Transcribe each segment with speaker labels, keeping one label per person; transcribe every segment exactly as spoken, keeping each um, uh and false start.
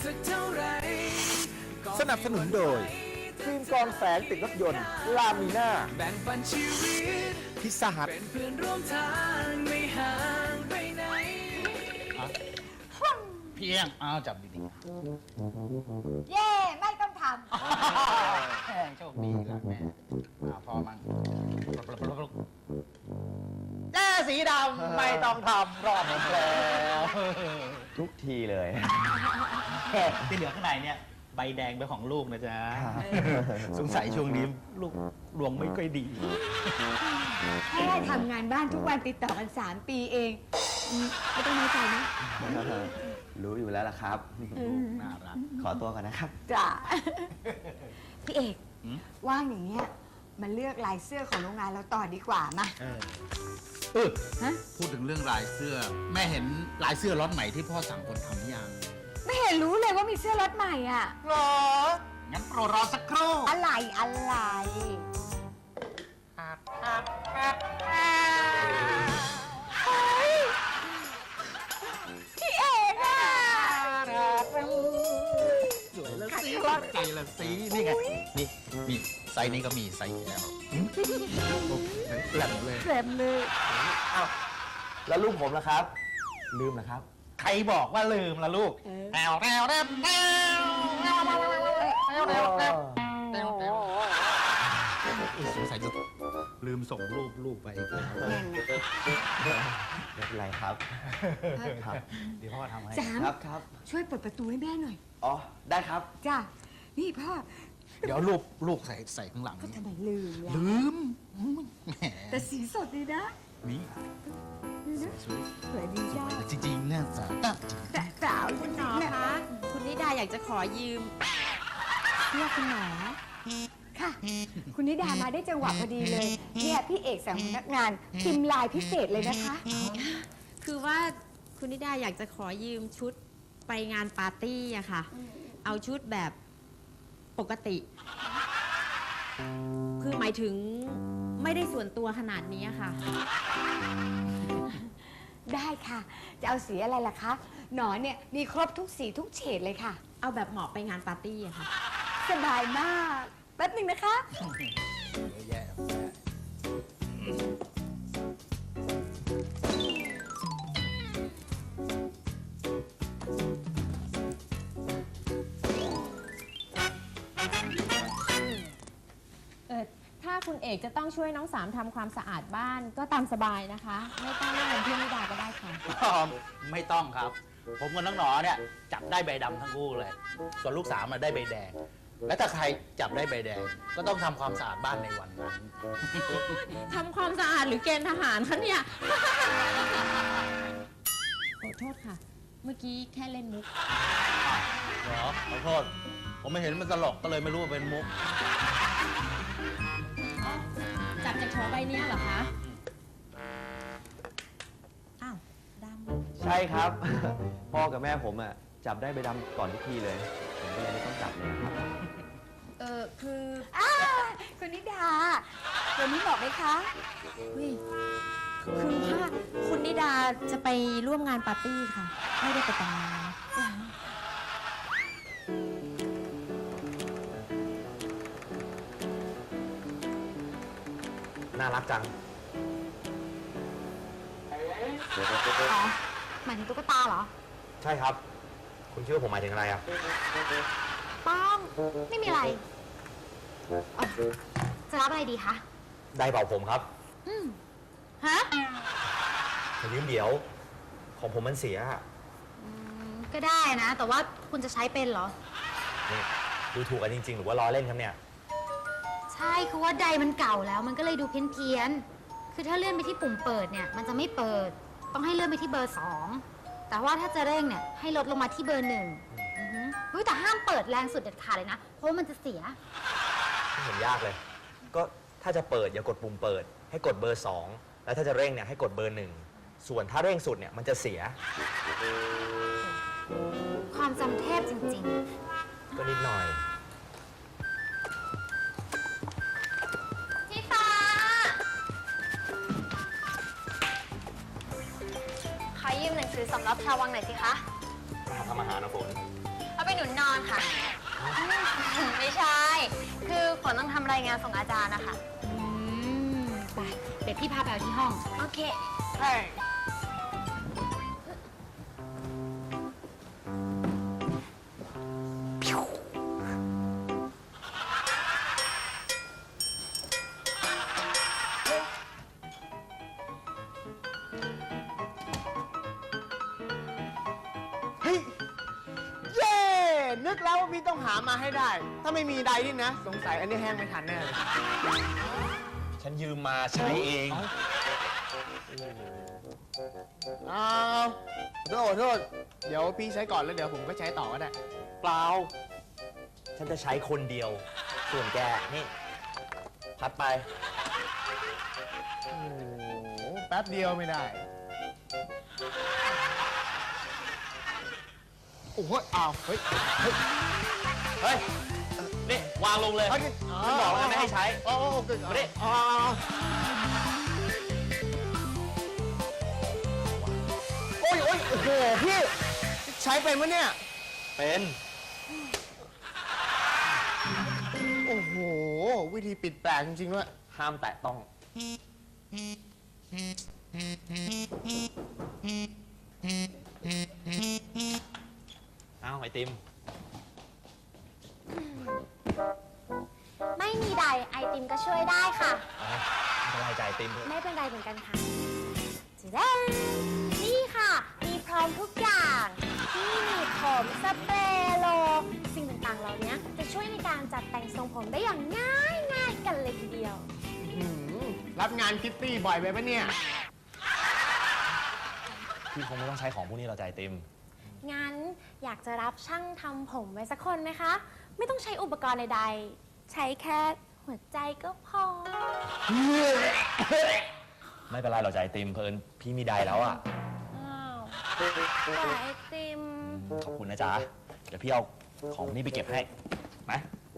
Speaker 1: สักเท่าไร
Speaker 2: สนับสนุนโดยฟิล์มกรองแสงติดรถยนต์ลามีน่า
Speaker 1: แบ่งปันชีวิต
Speaker 2: พิซซ่าฮัท
Speaker 1: เป็นเพื่อนร่วมทางไม่ห่างไปไหน
Speaker 3: พี่เอี้ยงอ้าวจับดี
Speaker 4: เย่ไม่ต้องท
Speaker 3: ๆแม่โชคดีละแม่อ้าวพอมั้งแจ้สีดำไม่ต้องทำรอบหมดแล้ว
Speaker 5: ทุกทีเลย
Speaker 3: ที่เหลือข้างในเนี่ยใบแดงเป็นของลูกนะจ๊ะสงสัยช่วงนี้ลูกดวงไม่ค่อยดี
Speaker 4: ำแค่ทำงานบ้านทุกวันติดต่อกันสามปีเองอืมไม่ต้องน้อยใจนะ
Speaker 5: รู้อยู่แล้วล่ะครับ
Speaker 3: น่ารัก
Speaker 5: ขอตัวก่อนนะครับ
Speaker 4: จ้ะ พี่เอก
Speaker 3: หืม
Speaker 4: ว่างอย่างเงี้ยมาเลือกลายเสื้อของโรงงานเราต่อดีกว่ามา
Speaker 3: เออเออ
Speaker 4: ฮะ
Speaker 3: พูดถึงเรื่องลายเสื้อ แม่เห็นลายเสื้อล็อตใหม่ที่พ่อสั่งคนทำหรือยัง
Speaker 4: ไม่เห็นรู้เลยว่ามีเสื้อรถใหม่อ่ะ
Speaker 3: หรอ งั้นโปรดรอสักครู่
Speaker 4: อะไรอะไรเฮ้ยพี่เอกอ่ะ
Speaker 3: สวยแล้วสิใจละสินี่ไง นี่นี่ไซส์นี้ก็มีไซส์แอลแหลมเลย
Speaker 4: เต็มเลย
Speaker 5: แล้วลูกผมล่ะครับ ลืมเหรอครับ
Speaker 3: ใครบอกว่าลืมล่ะลูกแอลแอลแอลแอลแอลแอลแอลแอลแอลแอลแอลแอลสงสัยจะลืมส่งรูปลูกไปอีกแล้ว
Speaker 5: ไม่เป็นไรครับ ครับ
Speaker 3: เดี๋ยวพ่อทำให้
Speaker 4: จาม
Speaker 5: ครับครับ
Speaker 4: ช่วยเปิดประตูให้แม่หน่อย
Speaker 5: อ๋อ ได้ครับ
Speaker 4: จ้ะ นี่พ่อ
Speaker 3: เดี๋ยวรูปลูกใส่ใส่ข้างหลัง
Speaker 4: ก็ทำไมลืมล่ะ
Speaker 3: ลืมแหม
Speaker 4: แต่สีสดดีนะ
Speaker 3: นี่
Speaker 4: นี่นะ
Speaker 3: สวย
Speaker 4: สวยดีจ้า
Speaker 3: จริงๆเนี่ยสาตา
Speaker 4: แต่สาวจริง
Speaker 6: หมอ
Speaker 4: ๆเนี่ย
Speaker 6: คะ คุณนิดาอยากจะขอยืม
Speaker 4: เรียกคุณหมอค่ะ คุณนิดามาได้จังหวะพอดีเลย เนี่ยพี่เอกสั่งพนักงานพิมพ์ลายพิเศษเลยนะคะ
Speaker 6: คือว่าคุณนิดาอยากจะขอยืมชุดไปงานปาร์ตี้อะค่ะ เอาชุดแบบปกติ คือหมายถึงไม่ได้ส่วนตัวขนาดนี้อะค่ะ
Speaker 4: ได้ค่ะ จะเอาสีอะไรล่ะคะ หนอนเนี่ยมีครบทุกสีทุกเฉดเลยค่ะ
Speaker 6: เอาแบบเหมาะไปงานปาร์ตี้อะค่ะ
Speaker 4: สบายมาก แป๊บหนึ่งนะคะ
Speaker 3: แย่
Speaker 6: เออถ้าคุณเอกจะต้องช่วยน้องสามทำความสะอาดบ้านก็ตามสบายนะคะ ไม่ต้องเรียกเงินเพื่อนนิดาก็ได้ค่ะ
Speaker 3: ไม่ต้องครับ ผมกับน้องหนอเนี่ยจับได้ใบดำทั้งคู่เลย ส่วนลูกสาวมาได้ใบแดง และถ้าใครจับได้ใบแดง ก็ต้องทำความสะอาดบ้านในวันนั้น
Speaker 6: ทำความสะอาดหรือเกณฑ์ทหารคะเนี่ย ขอโทษค่ะ เมื่อกี้แค่เล่นมุก
Speaker 3: เหรอขอโทษ ผมไม่เห็นมันตลกก็เลยไม่รู้ว่าเป็นมุก
Speaker 6: จับจากโถใบเนี้ยเหรอคะ อ้าวดำ
Speaker 5: ใช่ครับ พ่อกับแม่ผมอ่ะ จับได้ใบดำก่อนทุกทีเลย ผมก็เลยไม่ต้องจับเลยครับ
Speaker 6: เออคือ
Speaker 4: อ้าคุณนิดาวันนี้บอกไหมคะ
Speaker 6: เฮ้ยคือว่าคุณนิดาจะไปร่วมงานปาร์ตี้ค่ะ ไม่ได้ไปแต่งงาน
Speaker 5: น่ารักจัง
Speaker 4: อ๋อ หมายถึงตุ๊กตาเหรอ
Speaker 5: ใช่ครับ คุณคิดว่าผมหมายถึงอะไรอ่ะ
Speaker 4: ป้อง ไม่มีอะไรอ๋อจะรับอะไรดีคะ
Speaker 5: ได้เป่าผมครับ
Speaker 4: ฮะ
Speaker 5: ขอยืมเดี๋ยว ของผมมันเสียอะ
Speaker 4: ก็ได้นะ แต่ว่าคุณจะใช้เป็นเหรอ
Speaker 5: นี่ดูถูกกันจริงๆ หรือว่าล้อเล่นครับเนี่ย
Speaker 7: ใช่คือว่าไดมันเก่าแล้วมันก็เลยดูเพี้ยนๆคือถ้าเลื่อนไปที่ปุ่มเปิดเนี่ยมันจะไม่เปิด ต้องให้เลื่อนไปที่เบอร์สองแต่ว่าถ้าจะเร่งเนี่ยให้ลดลงมาที่เบอร์หนึ่งอือฮึเฮ้ยแต่ห้ามเปิดแรงสุดเด็ดขาดเลยนะ เพราะว่ามันจะเสีย
Speaker 5: ไม่เห็นยากเลย ก็ถ้าจะเปิดอย่ากดปุ่มเปิด ให้กดเบอร์สองแล้วถ้าจะเร่งเนี่ยให้กดเบอร์หนึ่งส่วนถ้าเร่งสุดเนี่ยมันจะเสีย
Speaker 7: ความจำเทพจริง
Speaker 5: ก็นิดหน่อย
Speaker 7: ๆพี่ฟ้าขอยืมหนังสือสำรับชาววังหน่อยสิคะ
Speaker 5: มาทำอาหารนะฝน
Speaker 7: เอาไปหนู
Speaker 8: ค่ะ ไม่ใช่ คือฝนต้องทำรายงานส่งอาจารย์นะคะ
Speaker 7: อืมไปเดี๋ยวพี่พาไปเอาที่ห้อง
Speaker 8: โอเคเออ
Speaker 2: เฮ้ย เย้ นึกแล้วว่าพี่ต้องหามาให้ได้ ถ้าไม่มีใดนี่นะ สงสัยอันนี้แห้งไม่ทันแน่เลย
Speaker 5: ฉันยืมมาใช้เอง
Speaker 2: อ้าวโทษโทษ เดี๋ยวพี่ใช้ก่อนแล้วเดี๋ยวผมก็ใช้ต่อก็ได้
Speaker 5: เปล่า ฉันจะใช้คนเดียว ส่วนแก นี่ พัดไป
Speaker 2: โอ้โห แป๊บเดียวไม่ได้ โอ้โหอ้าว เฮ้ย เฮ้ย
Speaker 5: เฮ้ย นี่ วางลงเลย
Speaker 2: เฮ้ย
Speaker 5: ฉันบอกแล้วไม่ให้ใช้
Speaker 2: อ๋อโอเค
Speaker 5: มาดิ
Speaker 2: อ๋อโอ้ยโอ้ยโอ้โห พี่ ใช้เป็นปะเนี่ย
Speaker 5: เป็น
Speaker 2: โอ้โห วิธีปิดแปลกจริงๆด้วย
Speaker 5: ห้ามแตะต้อง เอาไอติม
Speaker 8: ไม่มีใดไอติมก็ช่วยได้ค่ะ
Speaker 5: ไม่เป็นไรจ่ายไอติมเถอะ
Speaker 8: ไม่เป็นไรเหมือนกันค่ะจะได้นี่ค่ะ มีพร้อมทุกอย่างที่มีผมสเปรย์โล สิ่งต่างๆเหล่านี้จะช่วยในการจัดแต่งทรงผมได้อย่างง่ายง่ายๆกันเลยทีเดียว
Speaker 2: หืมรับงานคิตตี้บ่อยไปปะเนี่ย
Speaker 5: พี่คงไม่ต้องใช้ของพวกนี้เราจ่ายไอติม
Speaker 8: งั้นอยากจะรับช่างทำผมไว้สักคนไหมคะ ไม่ต้องใช้อุปกรณ์ใดๆ ใช้แค่หัวใจก็พอ
Speaker 5: ไม่เป็นไรเราจ่ายไอติมเพลินพี่มีไดแล้วอ่ะ
Speaker 8: อ้าวแต่ไอติม
Speaker 5: ขอบคุณนะจ๊ะ เดี๋ยวพี่เอาของพวกนี้ไปเก็บให้นะ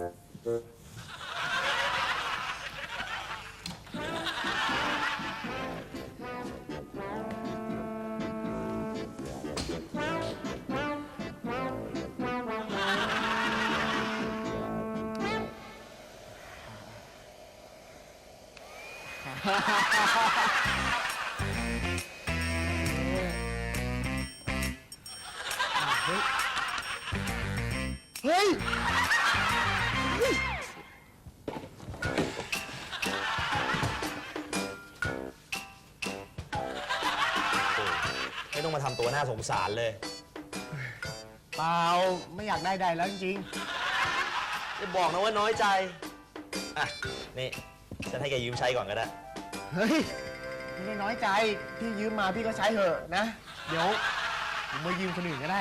Speaker 2: เฮ้ย
Speaker 5: ไม่ต้องมาทำตัวน่าสงสารเลย
Speaker 2: เปล่า ไม่อยากได้ใดแล้วจริง
Speaker 5: จะบอกนะว่าน้อยใจ อ่ะ นี่ ฉันให้แกยืมใช้ก่อนก็ได้
Speaker 2: ๆ เฮ้ย ไม่ได้น้อยใจ พี่ยืมมาพี่ก็ใช้เถอะนะ เดี๋ยวผมมายืมคนอื่นก็ได้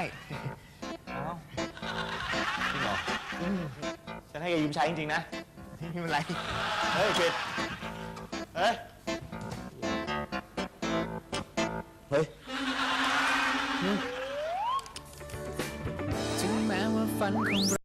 Speaker 5: จริงเหรอฉันให้แกยืมใช้จริงๆนะ
Speaker 2: ไม่เป็นไร
Speaker 5: เฮ้ยคิดเฮ้ย เฮ้ย
Speaker 1: ถึงแม้ว่าฝันของเรา